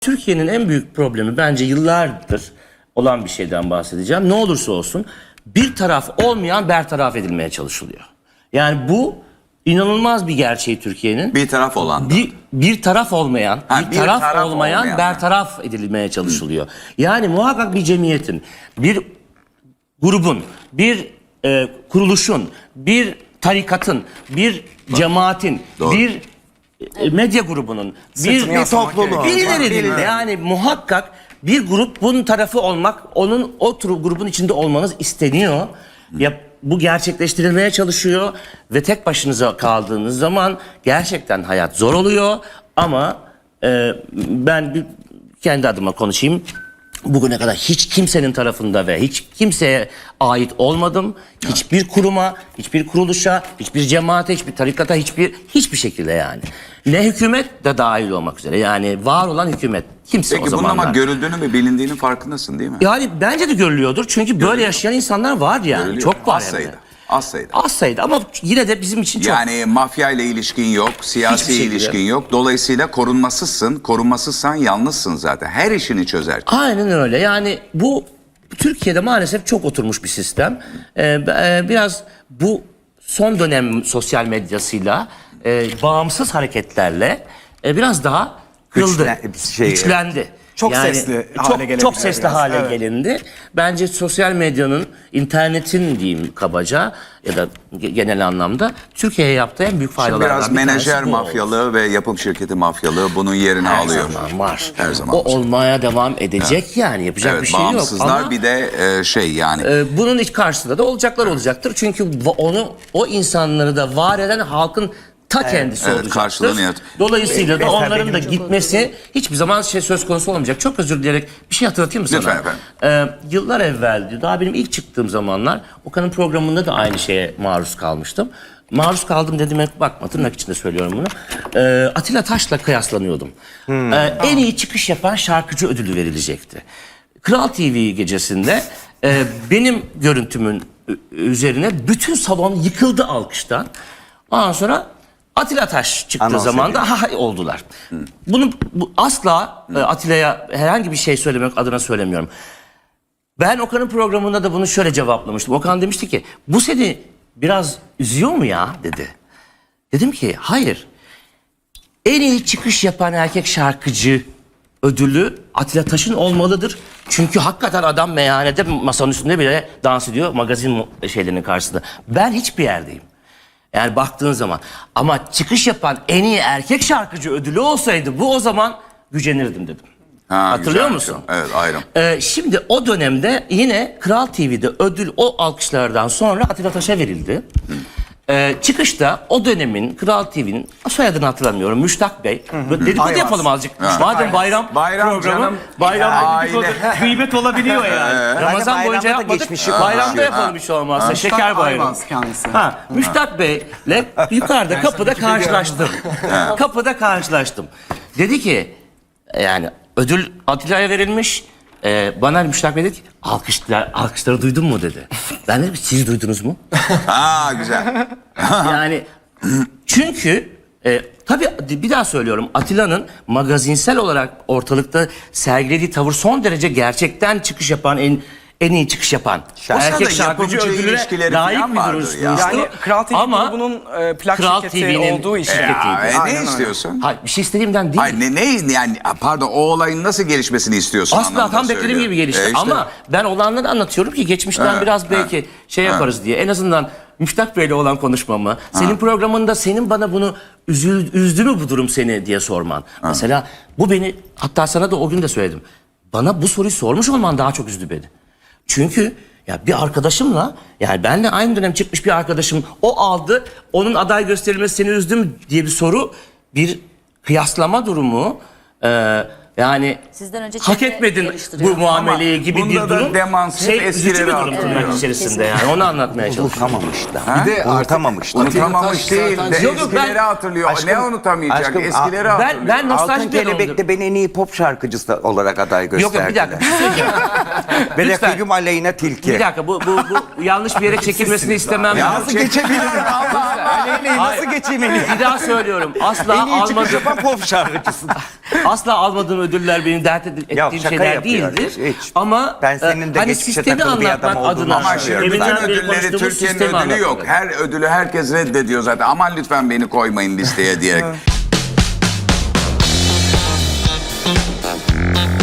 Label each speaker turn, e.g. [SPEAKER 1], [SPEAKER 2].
[SPEAKER 1] Türkiye'nin en büyük problemi bence yıllardır olan bir şeyden bahsedeceğim. Ne olursa olsun bir taraf olmayan bertaraf edilmeye çalışılıyor. Yani bu inanılmaz bir gerçeği Türkiye'nin.
[SPEAKER 2] Bir taraf olan da.
[SPEAKER 1] Bir taraf olmayan,
[SPEAKER 2] Ha,
[SPEAKER 1] bir taraf olmayan
[SPEAKER 2] olmayan.
[SPEAKER 1] bertaraf edilmeye çalışılıyor. Yani muhakkak bir cemiyetin, bir grubun, bir kuruluşun, bir tarikatın, bir cemaatin,
[SPEAKER 2] Doğru.
[SPEAKER 1] bir medya grubunun, bir topluluğun, birilerinin yani muhakkak bir grup bunun tarafı olmak, onun o grubun içinde olmanız isteniyor. Ya bu gerçekleştirilmeye çalışıyor ve tek başınıza kaldığınız zaman gerçekten hayat zor oluyor ama ben kendi adıma konuşayım. Bugüne kadar hiç kimsenin tarafında ve hiç kimseye ait olmadım. Hiçbir kuruma, hiçbir kuruluşa, hiçbir cemaate, hiçbir tarikata, hiçbir şekilde yani. Ne hükümet de dahil olmak üzere. Yani var olan hükümet. Kimse
[SPEAKER 2] Peki
[SPEAKER 1] o
[SPEAKER 2] bunun
[SPEAKER 1] zamanlar.
[SPEAKER 2] ama görüldüğünü ve bilindiğinin farkındasın değil mi?
[SPEAKER 1] Yani bence de görülüyordur. Çünkü böyle yaşayan insanlar var yani.
[SPEAKER 2] Görülüyor.
[SPEAKER 1] Çok var
[SPEAKER 2] Az
[SPEAKER 1] hem de.
[SPEAKER 2] sayıda. Az sayıda.
[SPEAKER 1] Az sayıda ama yine de bizim için çok.
[SPEAKER 2] Yani mafya ile ilişkin yok,
[SPEAKER 1] Hiçbir
[SPEAKER 2] siyasi
[SPEAKER 1] şekilde.
[SPEAKER 2] ilişkin yok. Dolayısıyla korunmasızsın. Korunmasızsan yalnızsın zaten. Her işini çözer.
[SPEAKER 1] Aynen öyle. Yani bu Türkiye'de maalesef çok oturmuş bir sistem. Biraz bu son dönem sosyal medyasıyla bağımsız hareketlerle biraz daha kırıldı, güçlendi.
[SPEAKER 3] Çok sesli hale gelebilir
[SPEAKER 1] Çok sesli
[SPEAKER 3] biraz,
[SPEAKER 1] hale
[SPEAKER 3] evet.
[SPEAKER 1] gelindi. Bence sosyal medyanın, internetin diyeyim kabaca ya da genel anlamda Türkiye'ye yaptığı en büyük faydalardan
[SPEAKER 2] Biraz
[SPEAKER 1] bir tanesi
[SPEAKER 2] menajer
[SPEAKER 1] bu oldu.
[SPEAKER 2] mafyalığı ve yapım şirketi mafyalığı bunun yerini
[SPEAKER 1] Her
[SPEAKER 2] alıyor.
[SPEAKER 1] zaman var.
[SPEAKER 2] Her zaman
[SPEAKER 1] o
[SPEAKER 2] var.
[SPEAKER 1] olmaya devam edecek yani yapacak
[SPEAKER 2] Evet,
[SPEAKER 1] bir şey yok.
[SPEAKER 2] bağımsızlar
[SPEAKER 1] Ama
[SPEAKER 2] bir de yani
[SPEAKER 1] bunun iç karşısında da olacaklar olacaktır. Çünkü o insanları da var eden halkın ta kendisi
[SPEAKER 2] evet,
[SPEAKER 1] olacaktır.
[SPEAKER 2] karşılığını
[SPEAKER 1] Dolayısıyla da
[SPEAKER 3] Mesela
[SPEAKER 1] onların da
[SPEAKER 3] benim
[SPEAKER 1] gitmesi hiçbir zaman söz konusu olmayacak. Çok özür dileyerek bir şey hatırlatayım mı sana?
[SPEAKER 2] Lütfen efendim.
[SPEAKER 1] Yıllar evveldi. Daha benim ilk çıktığım zamanlar Okan'ın programında da aynı şeye maruz kalmıştım. Maruz kaldım dediğime bakma, tırnak içinde söylüyorum bunu. Atilla Taş'la kıyaslanıyordum. En iyi çıkış yapan şarkıcı ödülü verilecekti. Kral TV gecesinde benim görüntümün üzerine bütün salon yıkıldı alkıştan. Ondan sonra Atilla Taş çıktığı zaman da ha oldular. Bunu asla Atilla'ya herhangi bir şey söylemek adına söylemiyorum. Ben Okan'ın programında da bunu şöyle cevaplamıştım. Okan demişti ki bu seni biraz üzüyor mu ya dedi. Dedim ki hayır. En iyi çıkış yapan erkek şarkıcı ödülü Atilla Taş'ın olmalıdır. Çünkü hakikaten adam meyhanede masanın üstünde bile dans ediyor magazin şeylerinin karşısında. Ben hiçbir yerdeyim. Yani baktığın zaman. Ama çıkış yapan en iyi erkek şarkıcı ödülü olsaydı bu o zaman gücenirdim dedim. Hatırlıyor
[SPEAKER 2] güzel.
[SPEAKER 1] musun?
[SPEAKER 2] Evet, ayrım.
[SPEAKER 1] Şimdi o dönemde yine Kral TV'de ödül o alkışlardan sonra Atilla Taş'a verildi. Çıkışta o dönemin Kral TV'nin soyadını hatırlamıyorum Müştak Bey. Dedikodu yapalım azıcık. Madem bayram programı
[SPEAKER 2] canım.
[SPEAKER 1] bayram dedikodu,
[SPEAKER 2] Aile.
[SPEAKER 1] gıybet olabiliyor yani. Ramazan boyunca yapmadık. Bayramda yapalım hiç olmazsa. Şeker bayramı.
[SPEAKER 3] Ayvaz kendisi.
[SPEAKER 1] Müştak Bey'le yukarıda kapıda karşılaştım. Kapıda karşılaştım. Dedi ki yani ödül Atilla'ya verilmiş. Bana Müştak Bey dedi ki alkışları duydun mu dedi. Ben dedim siz duydunuz mu?
[SPEAKER 2] Güzel.
[SPEAKER 1] Yani çünkü tabii bir daha söylüyorum Atilla'nın magazinsel olarak ortalıkta sergilediği tavır son derece gerçekten çıkış yapan en iyi çıkış yapan erkek şarkıcı
[SPEAKER 2] yapımcı
[SPEAKER 1] ödülüne
[SPEAKER 2] ilişkileri
[SPEAKER 1] layık
[SPEAKER 2] falan
[SPEAKER 1] bir
[SPEAKER 2] vardır
[SPEAKER 1] duruş
[SPEAKER 2] ya.
[SPEAKER 1] bulmuştu.
[SPEAKER 3] Yani Kral TV
[SPEAKER 1] Ama
[SPEAKER 3] grubunun plak
[SPEAKER 1] Kral
[SPEAKER 3] şirketi
[SPEAKER 1] TV'nin
[SPEAKER 3] olduğu için.
[SPEAKER 1] şirketiydi.
[SPEAKER 2] Ne istiyorsun?
[SPEAKER 1] Hayır bir şey istediğimden değil.
[SPEAKER 2] Hayır ne yani pardon o olayın nasıl gelişmesini istiyorsun
[SPEAKER 1] Asla
[SPEAKER 2] anlamında
[SPEAKER 1] tam beklediğim
[SPEAKER 2] söylüyorum.
[SPEAKER 1] gibi gelişti
[SPEAKER 2] İşte.
[SPEAKER 1] ama ben olanları anlatıyorum ki geçmişten biraz belki yaparız diye. En azından Müştak Bey'le olan konuşmamı, senin programında senin bana bunu üzdü mü bu durum seni diye sorman. Mesela bu beni hatta sana da o gün de söyledim. Bana bu soruyu sormuş olman daha çok üzdü beni. Çünkü ya bir arkadaşımla yani benle aynı dönem çıkmış bir arkadaşım o aldı onun aday gösterilmesi seni üzdü mü diye bir soru bir kıyaslama durumu yani
[SPEAKER 4] Sizden önce
[SPEAKER 1] hak
[SPEAKER 4] çevre
[SPEAKER 1] etmedin
[SPEAKER 4] yarıştırıyor.
[SPEAKER 1] bu muameleyi gibi bir
[SPEAKER 2] bunda da
[SPEAKER 1] durum.
[SPEAKER 2] demans hep
[SPEAKER 1] Üzücü
[SPEAKER 2] eskileri
[SPEAKER 1] bir durum
[SPEAKER 2] hatırlıyor.
[SPEAKER 1] tırnak içerisinde yani onu anlatmaya çalışıyorum.
[SPEAKER 5] Unutamamışlar. Bir de unutamamışlar.
[SPEAKER 2] Unutamamış değil de
[SPEAKER 1] Yok, yok,
[SPEAKER 2] eskileri
[SPEAKER 1] ben-
[SPEAKER 2] hatırlıyor. Ne unutamayacak?
[SPEAKER 5] aşkım,
[SPEAKER 2] Eskileri hatırlıyor.
[SPEAKER 1] Ben nostalji
[SPEAKER 5] Altın Kelebek'te beni en iyi pop şarkıcısı olarak aday
[SPEAKER 1] Yok
[SPEAKER 5] gösterdiler.
[SPEAKER 1] yok bir dakika bir şey söyleyeceğim.
[SPEAKER 5] Ve
[SPEAKER 1] Lütfen.
[SPEAKER 5] rakibim Aleyna Tilki.
[SPEAKER 1] Bir dakika bu yanlış bir yere çekilmesini istemem.
[SPEAKER 5] Nasıl geçebilirim Allah? Aleyna'yı nasıl geçeyim en iyi?
[SPEAKER 1] Bir daha söylüyorum.
[SPEAKER 5] En iyi çıkış yapan pop şarkıcısı.
[SPEAKER 1] Asla almadığım ödüller benim dert ettiğim
[SPEAKER 5] Ya, şaka
[SPEAKER 1] şeyler
[SPEAKER 5] yapıyorum.
[SPEAKER 1] değildir.
[SPEAKER 5] Hiç.
[SPEAKER 1] Ama
[SPEAKER 5] Ben senin de
[SPEAKER 1] hani
[SPEAKER 5] geçmişe
[SPEAKER 1] sistemi
[SPEAKER 5] takılı bir
[SPEAKER 1] anlatmak
[SPEAKER 5] adam olduğunu
[SPEAKER 1] adına.
[SPEAKER 2] Ama şimdi bütün
[SPEAKER 1] Deminden beri
[SPEAKER 2] ödülleri
[SPEAKER 1] konuştuğumuz
[SPEAKER 2] Türkiye'nin
[SPEAKER 1] sistemi
[SPEAKER 2] ödülü yok.
[SPEAKER 1] anlatmak.
[SPEAKER 2] Her ödülü herkes reddediyor zaten. Aman lütfen beni koymayın listeye diyerek.